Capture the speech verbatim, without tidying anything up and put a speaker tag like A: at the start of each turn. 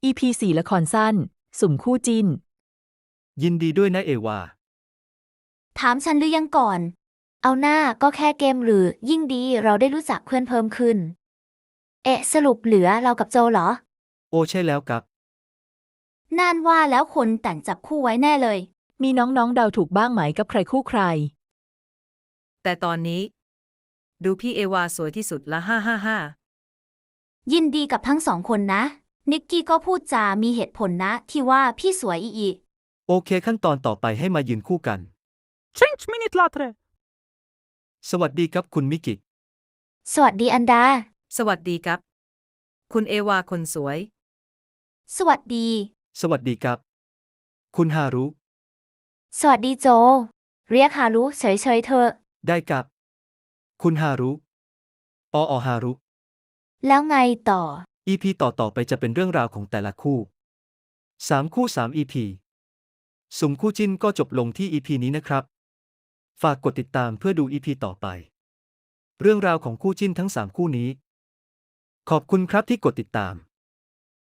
A: อี พี สี่ ละครสั้น สุ่มคู่จิ้น
B: ยินดีด้วยนะเอวา
C: ถามฉันหรือยังก่อน เอาหน้าก็แค่เกมหรือยิ่งดีเราได้รู้จักเพื่อนเพิ่มขึ้น เอะสรุปเหลือเรากับโจเหรอ
B: โอใช่แล้วครับ
C: น่านว่าแล้วคนแต่งจับคู่ไว้แน่เลย
A: มีน้องๆเดาถูกบ้างไหมกับใครคู่ใคร
D: แต่ตอนนี้ ดูพี่เอวาสวยที่สุดละฮ่าฮ่าฮ่า
C: ยินดีกับทั้งสองคนนะ นิกกี้ก็พูดจามีเหตุผลนะที่ว่าพี่สวยอีอี
B: โอเคขั้นตอนต่อไปให้มายืนคู่กัน
E: cinci minute later.
B: สวัสดีครับคุณมิกิ
C: สวัสดีอันดา
D: สวัสดีครับ คุณเอวาคนสวย
C: สวัสดี
B: สวัสดีครับ คุณฮารุ
C: สวัสดีโจ เรียกฮารุเฉยๆเธอะ
B: ได้ครับ คุณฮารุอออฮารุ
C: แล้วไงต่อ
B: อี พี ต่อต่อไปจะเป็นเรื่องราวของแต่ละคู่สามคู่สาม อี พี สุ่มคู่จิ้นก็จบลงที่ อี พี นี้นะครับ ฝากกดติดตามเพื่อดู อี พี ต่อไป เรื่องราวของคู่จิ้นทั้งสามคู่นี้ ขอบคุณครับที่กดติดตาม